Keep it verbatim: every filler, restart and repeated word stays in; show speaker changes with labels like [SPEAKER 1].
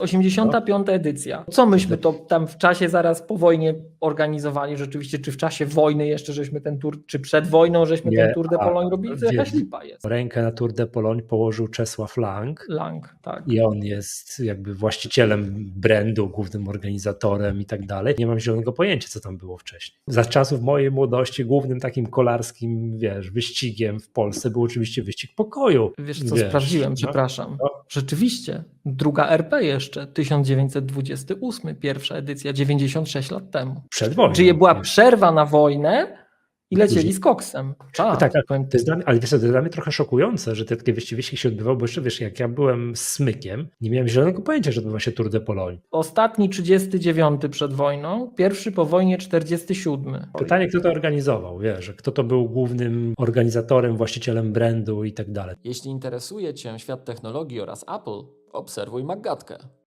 [SPEAKER 1] osiemdziesiąta piąta edycja. Co myśmy to tam w czasie zaraz po wojnie organizowali rzeczywiście, czy w czasie wojny jeszcze żeśmy ten tur, czy przed wojną żeśmy
[SPEAKER 2] Nie,
[SPEAKER 1] ten Tour de
[SPEAKER 2] a,
[SPEAKER 1] Pologne robili, to jakaś
[SPEAKER 2] wie-
[SPEAKER 1] lipa jest.
[SPEAKER 2] Rękę na Tour de Pologne położył Czesław Lang.
[SPEAKER 1] Lang, tak.
[SPEAKER 2] I on jest jakby właścicielem brandu, głównym organizatorem i tak dalej. Nie mam zielonego pojęcia, co tam było wcześniej. Za czasów mojej młodości głównym takim kolarskim, wiesz, wyścigiem w Polsce był oczywiście wyścig pokoju.
[SPEAKER 1] Wiesz co,
[SPEAKER 2] wiesz,
[SPEAKER 1] sprawdziłem,
[SPEAKER 2] no,
[SPEAKER 1] przepraszam.
[SPEAKER 2] no.
[SPEAKER 1] Rzeczywiście, druga R P jeszcze, tysiąc dziewięćset dwudziesty ósmy, pierwsza edycja, dziewięćdziesiąt sześć lat temu.
[SPEAKER 2] Przed wojną.
[SPEAKER 1] Czyli była
[SPEAKER 2] nie?
[SPEAKER 1] przerwa na wojnę i lecieli
[SPEAKER 2] Później.
[SPEAKER 1] z koksem. Czad,
[SPEAKER 2] No tak, ale
[SPEAKER 1] powiem
[SPEAKER 2] to jest dla mnie, ale wiesz, co, to jest dla mnie trochę szokujące, że te takie wyścigi się odbywały, bo jeszcze wiesz, jak ja byłem smykiem, nie miałem zielonego pojęcia, że odbywa się Tour de Pologne.
[SPEAKER 1] Ostatni trzydziesty dziewiąty przed wojną, pierwszy po wojnie czterdziesty siódmy.
[SPEAKER 2] Pytanie, kto to organizował, wiesz, kto to był głównym organizatorem, właścicielem brandu i tak dalej.
[SPEAKER 3] Jeśli interesuje Cię świat technologii oraz Apple, obserwuj Maggatkę.